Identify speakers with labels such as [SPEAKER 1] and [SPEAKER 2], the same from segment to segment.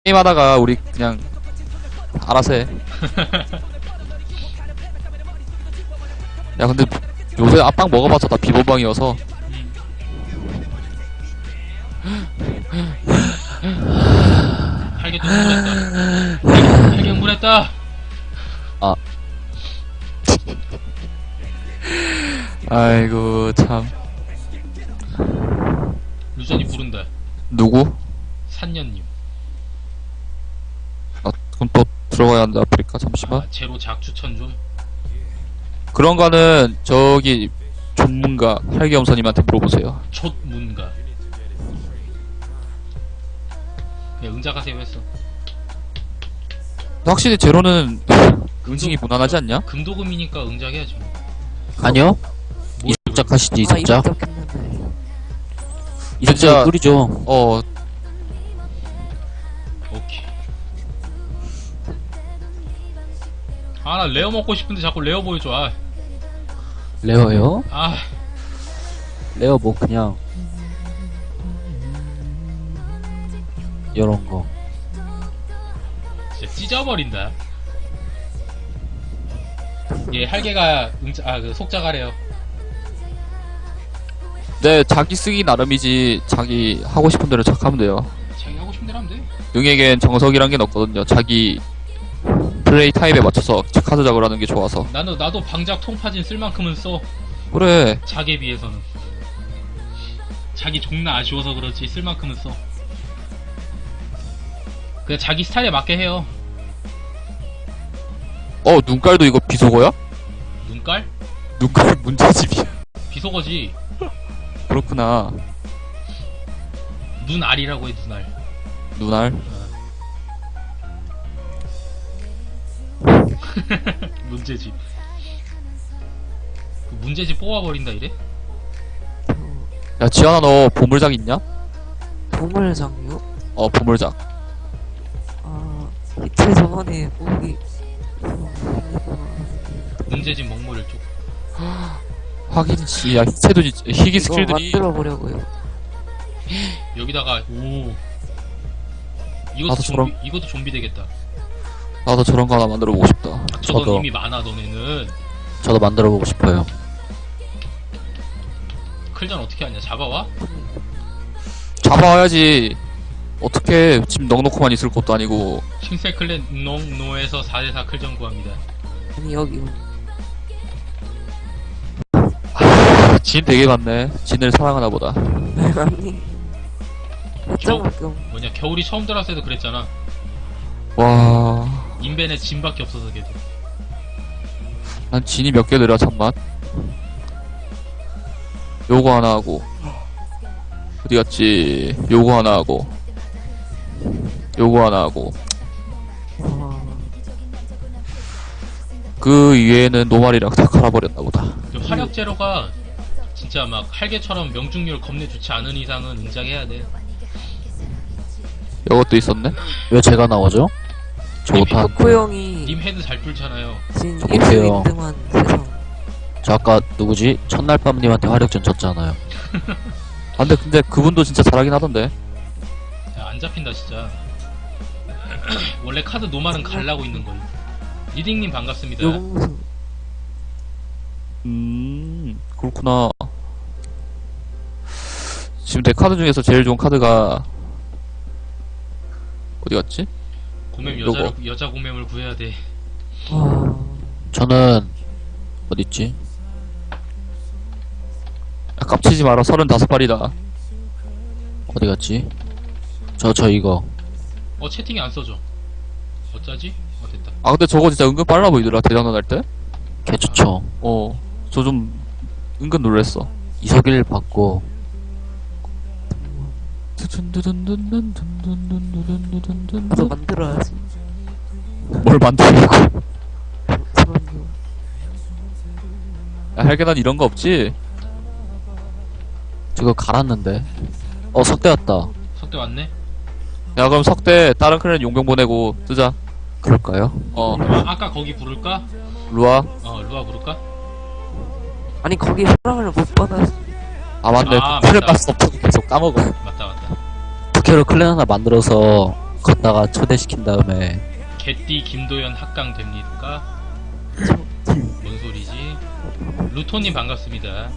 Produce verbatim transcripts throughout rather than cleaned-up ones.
[SPEAKER 1] 게임하다가 우리 그냥 알아서 해. 야 근데 요새 앞방 먹어봤자 다 비번방이어서.
[SPEAKER 2] 할게 또 흥분했다. 할게 흥분했다.
[SPEAKER 1] 아. 아이고 참.
[SPEAKER 2] 루전이 부른다.
[SPEAKER 1] 누구?
[SPEAKER 2] 산년님.
[SPEAKER 1] 아 그럼 또 들어가야 한다. 아프리카 잠시만.
[SPEAKER 2] 아, 제로 작 추천 좀.
[SPEAKER 1] 그런 거는 저기 전문가 할기엄선님한테 물어보세요.
[SPEAKER 2] 촛문가. 그냥 응작하세요 했어.
[SPEAKER 1] 확실히 제로는 응징이 무난하지 않냐?
[SPEAKER 2] 금도금이니까 응작해야지 뭐.
[SPEAKER 3] 아니요.
[SPEAKER 2] 뭘
[SPEAKER 3] 이석작 하시지,
[SPEAKER 4] 아,
[SPEAKER 3] 이석작.
[SPEAKER 4] 이석작했는데.
[SPEAKER 3] 이석작 꿀이죠.
[SPEAKER 1] 어
[SPEAKER 2] 오케이. 아, 나 레어 먹고 싶은데 자꾸 레어 보여줘. 아,
[SPEAKER 3] 레어요?
[SPEAKER 2] 아,
[SPEAKER 3] 레어 뭐 그냥 이런 거.
[SPEAKER 2] 진짜 찢어버린다. 얘 할개가 응자, 아, 그 속작하래요.
[SPEAKER 1] 네, 자기 쓰기 나름이지 자기 하고 싶은 대로 착하면 돼요.
[SPEAKER 2] 자기 하고 싶은 대로 하면 돼.
[SPEAKER 1] 응에겐 정석이란 게 없거든요. 자기 플레이 타입에 맞춰서 카드 작업을 하는 게 좋아서.
[SPEAKER 2] 나도, 나도 방작 통파진 쓸 만큼은 써.
[SPEAKER 1] 그래.
[SPEAKER 2] 작에 비해서는. 자기 존나 아쉬워서 그렇지 쓸 만큼은 써. 그냥 자기 스타일에 맞게 해요.
[SPEAKER 1] 어, 눈깔도 이거 비속어야?
[SPEAKER 2] 눈깔?
[SPEAKER 1] 눈깔 문제집이야.
[SPEAKER 2] 비속어지.
[SPEAKER 1] 그렇구나.
[SPEAKER 2] 눈알이라고 해, 눈알.
[SPEAKER 1] 눈알.
[SPEAKER 2] 문제집. 그 문제집 뽑아버린다 이래?
[SPEAKER 1] 야, 지현아 너 보물작 있냐?
[SPEAKER 4] 보물장이요?
[SPEAKER 1] 어, 보물작.
[SPEAKER 4] 아, 이틀 저번에 거기
[SPEAKER 2] 문제집 먹물을 쪽.
[SPEAKER 1] 확인이지. 야, 희채도 진짜- 희귀
[SPEAKER 4] 이거
[SPEAKER 1] 스킬들이.
[SPEAKER 4] 만들어 보려고요.
[SPEAKER 2] 여기다가 오. 이것도
[SPEAKER 1] 나도
[SPEAKER 2] 좀비,
[SPEAKER 1] 저런-
[SPEAKER 2] 이것도 좀비 되겠다.
[SPEAKER 1] 나도 저런 거 하나 만들어 보고 싶다.
[SPEAKER 2] 저건
[SPEAKER 3] 저도.
[SPEAKER 2] 이미 많아 너네는.
[SPEAKER 3] 저도 만들어 보고 싶어요.
[SPEAKER 2] 클전 어떻게 하냐? 잡아와?
[SPEAKER 1] 잡아와야지. 어떻게 집 넉넉히만 있을 것도 아니고.
[SPEAKER 2] 킹셀 클랜 농노에서 사 대 사 클전 구합니다.
[SPEAKER 4] 아니 여기
[SPEAKER 1] 진 되게 많네. 진을 사랑하나 보다.
[SPEAKER 4] 아니 몇 장밖에 없.
[SPEAKER 2] 뭐냐 겨울이 처음 들어왔을 때도 그랬잖아.
[SPEAKER 1] 와.
[SPEAKER 2] 인벤에 진밖에 없어서 걔도.
[SPEAKER 1] 난 진이 몇 개 늘어, 잠만. 요거 하나 하고. 어디 갔지? 요거 하나 하고. 요거 하나 하고.
[SPEAKER 4] 와,
[SPEAKER 1] 그 위에는 노말이랑 다 갈아버렸나 보다.
[SPEAKER 2] 그 화력 제로가 진짜 막 할개처럼 명중률 겁내 좋지 않은 이상은 응작해야 돼.
[SPEAKER 1] 요것도 있었네?
[SPEAKER 3] 왜 제가 나오죠? 저 못한.
[SPEAKER 4] 덕후 형이
[SPEAKER 2] 님 헤드 잘 뚫잖아요.
[SPEAKER 4] 진
[SPEAKER 3] 저
[SPEAKER 4] 일 등
[SPEAKER 3] 못해요.
[SPEAKER 4] 일 등한 세상.
[SPEAKER 3] 저 아까 누구지? 첫날 밤님한테 화력전 쳤잖아요.
[SPEAKER 1] 아, 근데, 근데 그분도 진짜 잘하긴 하던데.
[SPEAKER 2] 야, 안 잡힌다 진짜. 원래 카드 노말은 갈라고 있는 거예요. 리딩님 반갑습니다.
[SPEAKER 4] 요공수
[SPEAKER 1] 음, 그렇구나. 지금 내 카드 중에서 제일 좋은 카드가, 어디 갔지?
[SPEAKER 2] 고맴
[SPEAKER 1] 요거.
[SPEAKER 2] 여자 여자 고맴을 구해야 돼.
[SPEAKER 4] 와,
[SPEAKER 3] 저는 어딨지?
[SPEAKER 1] 야, 깝치지 마라. 서른다섯 발이다.
[SPEAKER 3] 어디 갔지? 저 저 이거.
[SPEAKER 2] 어 채팅이 안 써져. 어쩌지? 어 됐다.
[SPEAKER 1] 아, 근데 저거 진짜 은근 빨라 보이더라. 대장전 할 때?
[SPEAKER 3] 개 좋죠.
[SPEAKER 1] 어, 저 좀, 은근 놀랬어.
[SPEAKER 3] 이석일 받고
[SPEAKER 4] 나도 만들어야지.
[SPEAKER 1] 뭘 만들고.
[SPEAKER 4] 그럼요.
[SPEAKER 1] 야, 할게난 이런 거 없지?
[SPEAKER 3] 저거 갈았는데. 어 석대 왔다.
[SPEAKER 2] 석대 왔네.
[SPEAKER 1] 야, 그럼 석대 다른 클랜 용병 보내고 뜨자.
[SPEAKER 3] 그럴까요?
[SPEAKER 1] 어,
[SPEAKER 2] 아, 아까 거기 부를까?
[SPEAKER 1] 루아.
[SPEAKER 2] 어 루아 부를까?
[SPEAKER 4] 아니 거기 사랑을 못 받았어.
[SPEAKER 1] 아, 맞네.
[SPEAKER 2] 아,
[SPEAKER 1] 클랜
[SPEAKER 2] 맞다.
[SPEAKER 1] 가스 없어서 계속 까먹어.
[SPEAKER 2] 맞다 맞다.
[SPEAKER 3] 부캐로 클랜 하나 만들어서 걷다가 초대시킨 다음에
[SPEAKER 2] 개띠 김도현 합강 됩니까? 뭔 소리지? 루토님 반갑습니다.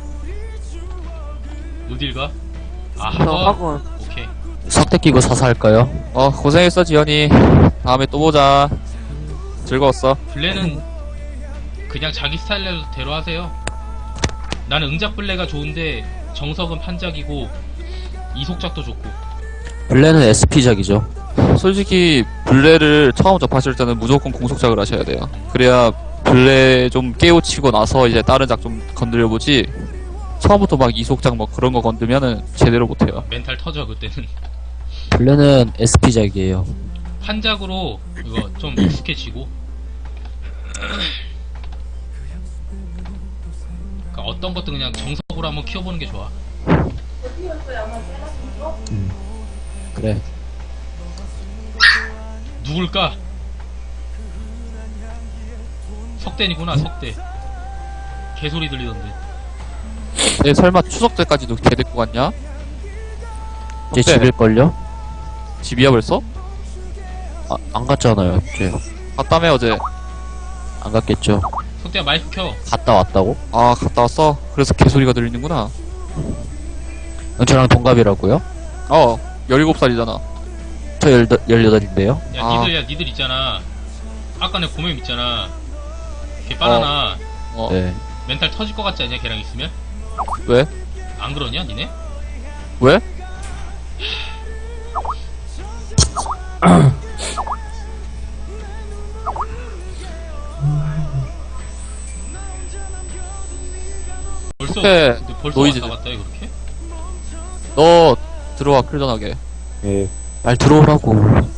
[SPEAKER 2] 어딜 가? 아,
[SPEAKER 4] 저
[SPEAKER 2] 학원?
[SPEAKER 4] 학원.
[SPEAKER 2] 오케이.
[SPEAKER 3] 석대 끼고 사사할까요?
[SPEAKER 1] 어, 고생했어, 지현이. 다음에 또 보자. 즐거웠어.
[SPEAKER 2] 블레는 그냥 자기 스타일대로 하세요. 나는 응작 블레가 좋은데 정석은 판작이고 이속작도 좋고.
[SPEAKER 3] 블레는 에스피작이죠.
[SPEAKER 1] 솔직히, 블레를 처음 접하실 때는 무조건 공속작을 하셔야 돼요. 그래야, 블레 좀 깨우치고 나서 이제 다른 작 좀 건드려보지, 처음부터 막 이속작 뭐 그런 거 건드면은 제대로 못해요.
[SPEAKER 2] 멘탈 터져 그때는.
[SPEAKER 3] 블레는 에스피작이에요.
[SPEAKER 2] 판작으로 이거 좀 익숙해지고. 그러니까 어떤 것도 그냥 정석으로 한번 키워보는 게 좋아.
[SPEAKER 3] 그래.
[SPEAKER 2] 누굴까? 석대니구나, 석대. 개소리 들리던데.
[SPEAKER 1] 내 설마 추석 때까지도 걔 데리고 갔냐?
[SPEAKER 3] 제
[SPEAKER 1] 어때?
[SPEAKER 3] 집일걸요?
[SPEAKER 1] 집이야 벌써?
[SPEAKER 3] 아, 안 갔잖아요. 제
[SPEAKER 1] 갔다며 어제.
[SPEAKER 3] 안 갔겠죠.
[SPEAKER 2] 석대야 마이크 켜.
[SPEAKER 3] 갔다 왔다고?
[SPEAKER 1] 아 갔다 왔어? 그래서 개소리가 들리는구나.
[SPEAKER 3] 저랑 동갑이라고요?
[SPEAKER 1] 어 열일곱 살이잖아.
[SPEAKER 3] 저 열, 열여덟인데요?
[SPEAKER 2] 야,
[SPEAKER 1] 아.
[SPEAKER 2] 니들, 야, 니들 있잖아. 아까 내 고맹 있잖아. 걔 바나나.
[SPEAKER 1] 어
[SPEAKER 3] 네.
[SPEAKER 2] 멘탈 터질 것 같지 않냐, 걔랑 있으면?
[SPEAKER 1] 왜?
[SPEAKER 2] 안 그러냐, 니네?
[SPEAKER 1] 왜?
[SPEAKER 2] 벌써,
[SPEAKER 1] 그때
[SPEAKER 2] 근데 벌써
[SPEAKER 1] 노이즈.
[SPEAKER 2] 왔다 갔다 해, 그렇게?
[SPEAKER 1] 너 들어와 클전하게.
[SPEAKER 5] 예,
[SPEAKER 3] 말 들어오라고.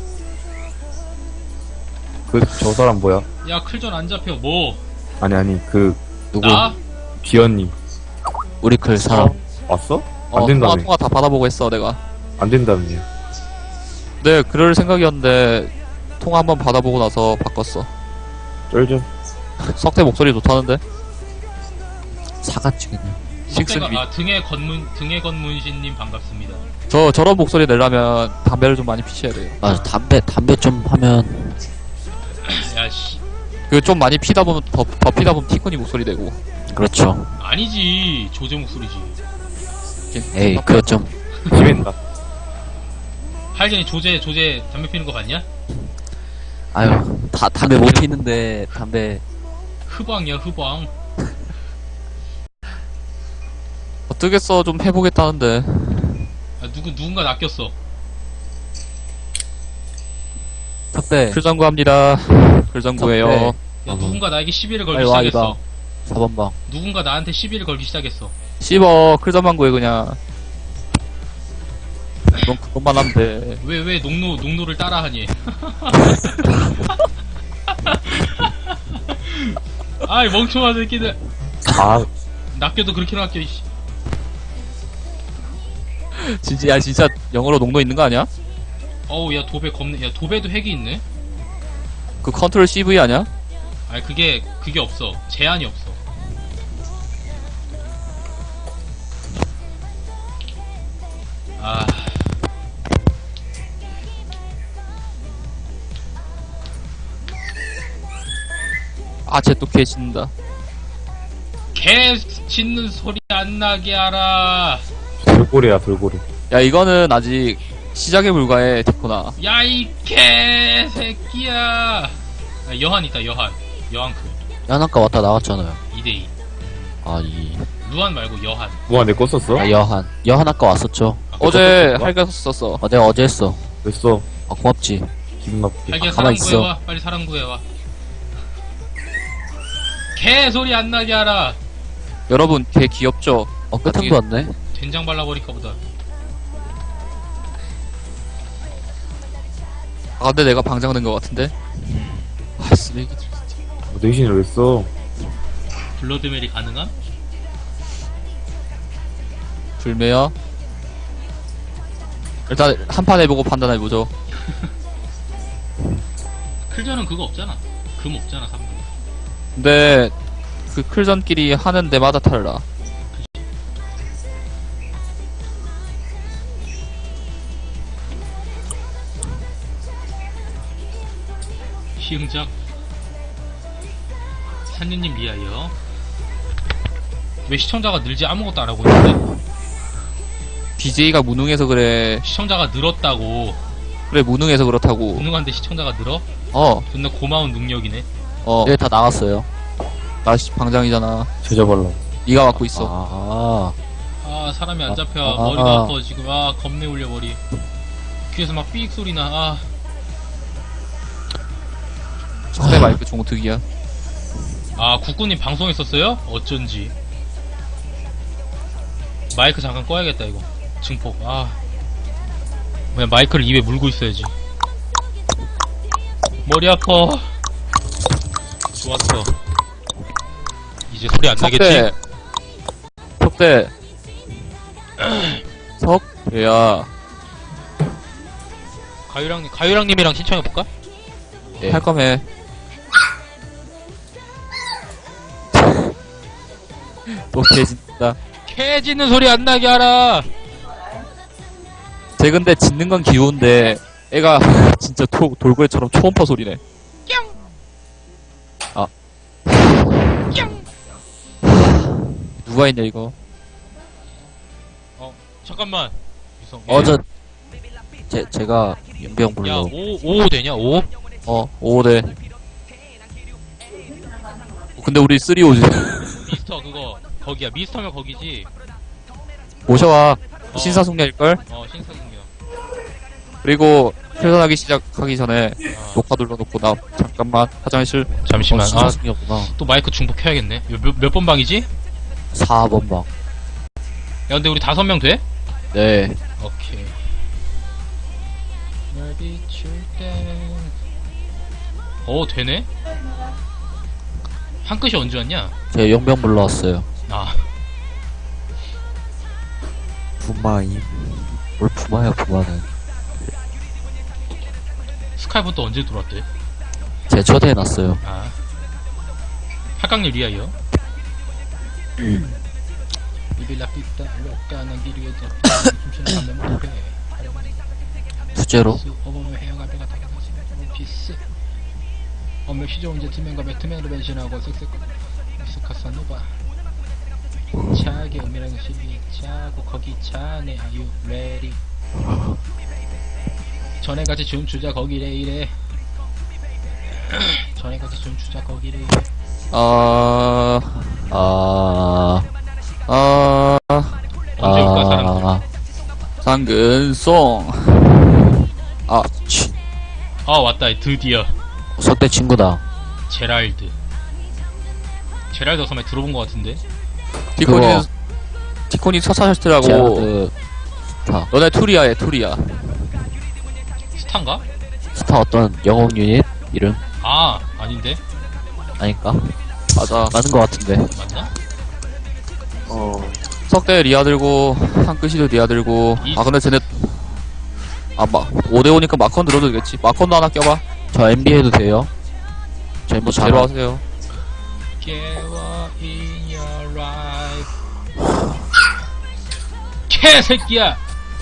[SPEAKER 5] 그, 저 사람 뭐야?
[SPEAKER 2] 야, 클전 안 잡혀, 뭐?
[SPEAKER 5] 아니, 아니, 그, 누구?
[SPEAKER 2] 나?
[SPEAKER 5] 기현님.
[SPEAKER 3] 우리 클 사람.
[SPEAKER 5] 왔어?
[SPEAKER 1] 어
[SPEAKER 5] 안 된다며.
[SPEAKER 1] 통화 통화 다 받아보고 했어 내가.
[SPEAKER 5] 안 된다며.
[SPEAKER 1] 네 그럴 생각이었는데 통화 한번 받아보고 나서 바꿨어.
[SPEAKER 5] 쩔죠?
[SPEAKER 1] 석대 목소리 좋다는데?
[SPEAKER 3] 사갔지 그냥.
[SPEAKER 1] 식슨
[SPEAKER 2] 석대가,
[SPEAKER 1] 위.
[SPEAKER 2] 아, 등에 건문, 등에 건문신님 반갑습니다.
[SPEAKER 1] 저 저런 목소리 내려면 담배를 좀 많이 피셔야 돼요.
[SPEAKER 3] 맞아. 담배 담배 좀 하면
[SPEAKER 2] 야, 씨.
[SPEAKER 1] 그 좀 많이 피다 보면 더, 더 피다 보면 티코니 목소리 되고.
[SPEAKER 3] 그렇죠.
[SPEAKER 2] 아니지. 조제 목소리지.
[SPEAKER 3] 에이 그거 좀
[SPEAKER 5] 심했다.
[SPEAKER 2] 하여전에 조제, 조제 담배 피는 거 봤냐?
[SPEAKER 3] 아유 다 담배 못 피는데 담배
[SPEAKER 2] 흐방이야, 흐방.
[SPEAKER 1] 어떻겠어 좀 해보겠다는데.
[SPEAKER 2] 아, 누구, 누군가 낚였어.
[SPEAKER 3] 석대
[SPEAKER 1] 글장구 합니다. 글장구예요.
[SPEAKER 3] 석대.
[SPEAKER 2] 야, 누군가 나에게 시비를 걸기
[SPEAKER 3] 빨리 와,
[SPEAKER 2] 시작했어.
[SPEAKER 3] 사 번 방.
[SPEAKER 2] 누군가 나한테 시비를 걸기 시작했어.
[SPEAKER 1] 씹어 클전만 구해 그냥. 넌 그것만 하면 돼.
[SPEAKER 2] 왜, 왜 농노, 농노를 따라하니? 아이, 멍청한 새끼들.
[SPEAKER 5] 아,
[SPEAKER 2] 낚여도 그렇게 낚여, 이씨.
[SPEAKER 1] 진짜 야 진짜 영어로 농도 있는 거 아니야?
[SPEAKER 2] 어우, 야, 도배 겁네. 야, 도배도 핵이 있네?
[SPEAKER 1] 그 컨트롤 씨브이 아니야?
[SPEAKER 2] 아니, 그게, 그게 없어. 제한이 없어. 아.
[SPEAKER 1] 아 쟤 또 개 짖는다.
[SPEAKER 2] 개 짖는 소리 안 나게 하라.
[SPEAKER 5] 돌고래야, 돌고래.
[SPEAKER 1] 야 이거는 아직 시작에 불과해 티코나.
[SPEAKER 2] 야, 이 개새끼야. 아, 여한 있다, 여한. 여한 그.
[SPEAKER 3] 연한가 왔다 나갔잖아요.
[SPEAKER 2] 이 대이.
[SPEAKER 3] 아이
[SPEAKER 2] 루안 말고 여한.
[SPEAKER 5] 누가 내 거 썼어?
[SPEAKER 3] 아, 여한 여한 아까 왔었죠.
[SPEAKER 1] 어제 할가 썼어.
[SPEAKER 3] 어 내가 어제 했어.
[SPEAKER 5] 됐어.
[SPEAKER 3] 아 고맙지.
[SPEAKER 5] 기분 나쁘게.
[SPEAKER 2] 자기야,
[SPEAKER 3] 가만
[SPEAKER 2] 사람
[SPEAKER 3] 있어.
[SPEAKER 2] 구해와. 빨리 사람 구해와. 개 소리 안 나게 하라.
[SPEAKER 1] 여러분 개 귀엽죠?
[SPEAKER 3] 어 끝은도 왔네.
[SPEAKER 2] 된장 발라버릴까 보다.
[SPEAKER 1] 아 근데 내가 방장된 것 같은데? 아 쓰레기들 진짜.
[SPEAKER 5] 뭐 대신을 왜 써?
[SPEAKER 2] 블러드멜이 가능함?
[SPEAKER 1] 불매야? 일단 한 판 해보고 판단해보죠.
[SPEAKER 2] 클전은 그거 없잖아. 금 없잖아, 삼 금.
[SPEAKER 1] 근데 그 클전끼리 하는 데마다 달라.
[SPEAKER 2] 희응작. 산유님 리하여. 왜 시청자가 늘지 아무것도 안 하고 있는데?
[SPEAKER 1] 비제이가 무능해서 그래.
[SPEAKER 2] 시청자가 늘었다고.
[SPEAKER 1] 그래, 무능해서 그렇다고.
[SPEAKER 2] 무능한데 시청자가 늘어?
[SPEAKER 1] 어,
[SPEAKER 2] 존나 고마운 능력이네.
[SPEAKER 1] 어.
[SPEAKER 3] 네, 다 나갔어요.
[SPEAKER 1] 나 씨, 방장이잖아.
[SPEAKER 5] 제자발라.
[SPEAKER 1] 네가 맡고 있어.
[SPEAKER 3] 아,
[SPEAKER 2] 아 사람이 안
[SPEAKER 3] 아,
[SPEAKER 2] 잡혀.
[SPEAKER 3] 아,
[SPEAKER 2] 머리가
[SPEAKER 3] 아.
[SPEAKER 2] 아파 지금. 아 겁내 울려 머리. 귀에서 막 삐익 소리 나. 아
[SPEAKER 1] 상대 마이크 종특이야.
[SPEAKER 2] 아 국군님 방송했었어요? 어쩐지. 마이크 잠깐 꺼야겠다 이거. 증폭. 아 그냥 마이크를 입에 물고 있어야지. 머리 아파. 좋았어. 이제 소리 안 나겠지?
[SPEAKER 1] 석대. 석대야.
[SPEAKER 2] 가유랑님 가유랑님이랑 신청해볼까?
[SPEAKER 3] 네.
[SPEAKER 1] 할 거면 해. 또 개진다.
[SPEAKER 2] 캐 짖는 소리 안 나게 하라.
[SPEAKER 1] 쟤 근데 짖는 건 귀여운데 애가 진짜 토, 돌고래처럼 초음파 소리네. 아. 누가 있냐 이거.
[SPEAKER 2] 잠깐만. 유성.
[SPEAKER 3] 어, 저, 제, 제가 윤병
[SPEAKER 2] 야,
[SPEAKER 3] 불러.
[SPEAKER 2] 오, 오 되냐? 오?
[SPEAKER 1] 어, 오대. 근데 우리 쓰리오지.
[SPEAKER 2] 미스터 그거 거기야. 미스터면 거기지.
[SPEAKER 1] 모셔와.
[SPEAKER 2] 어.
[SPEAKER 1] 신사숙녀일걸?
[SPEAKER 2] 어, 신사승려.
[SPEAKER 1] 그리고 퇴근하기 시작하기 전에
[SPEAKER 2] 어.
[SPEAKER 1] 녹화 눌러놓고 나 잠깐만 화장실.
[SPEAKER 2] 잠시만.
[SPEAKER 3] 어,
[SPEAKER 2] 아,
[SPEAKER 3] 신사승이었구나.
[SPEAKER 2] 또 마이크 중복 켜야겠네. 몇, 몇 번 방이지?
[SPEAKER 3] 사 번 방.
[SPEAKER 2] 야, 근데 우리 다섯 명 돼?
[SPEAKER 3] 네.
[SPEAKER 2] 오케이. 널 비출 때. 어, 되네? 한 끝이 언제 왔냐?
[SPEAKER 3] 제가 용병 불러왔어요.
[SPEAKER 2] 아,
[SPEAKER 3] 부마임. 뭘 부마야, 부마는.
[SPEAKER 2] 스카이프 또 언제 들어왔대?
[SPEAKER 3] 제 초대해놨어요.
[SPEAKER 2] 아. 팔강님 리아이요? 비빌라 삐따 로까 난 길이에 잡 춤추는 한명 목에
[SPEAKER 3] 투제로.
[SPEAKER 2] 어머머 해영할 배가 다가 다시면 피스 어머 시조 언제 투맨과 배트맨으로 변신하고 섹스 섹스카사노바 차게 은밀한 시비 차고 거기 차네 아유 레디 전에 같이 춤추자 거기래 이래 전에 같이 춤추자 거기래 이래
[SPEAKER 1] 아,
[SPEAKER 3] 아,
[SPEAKER 1] 아,
[SPEAKER 2] 언제 올까 사람들
[SPEAKER 3] 아,
[SPEAKER 1] 상근송. 아, 치.
[SPEAKER 2] 아 왔다 드디어
[SPEAKER 3] 석대 친구다.
[SPEAKER 2] 제랄드 제랄드 섬에 들어본 것 같은데
[SPEAKER 1] 티코니,
[SPEAKER 3] 그거.
[SPEAKER 1] 티코니 서사셔츠라고.
[SPEAKER 3] 제아드, 스타.
[SPEAKER 1] 너네 투리야, 얘 투리야.
[SPEAKER 2] 스탄가?
[SPEAKER 3] 스타 어떤 영웅 유닛? 이름?
[SPEAKER 2] 아 아닌데
[SPEAKER 3] 아닐까?
[SPEAKER 1] 맞아.
[SPEAKER 3] 맞는 것 같은데.
[SPEAKER 2] 맞나?
[SPEAKER 5] 어.
[SPEAKER 1] 석대 리아 들고, 한끗이도 리아 들고.
[SPEAKER 2] 이-
[SPEAKER 1] 아, 근데 쟤네. 아, 마, 오대오니까 마컨 들어도 되겠지. 마컨도 하나 껴봐.
[SPEAKER 3] 저 엠비 해도 돼요? 저 엠비
[SPEAKER 1] 뭐,
[SPEAKER 3] 잘
[SPEAKER 1] 제로 하세요.
[SPEAKER 2] 깨워 in your life 개새끼야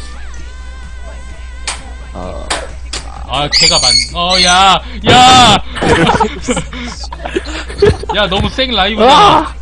[SPEAKER 3] 아,
[SPEAKER 2] 아 개가 많.. 어야 야! 야 너무 생 라이브잖아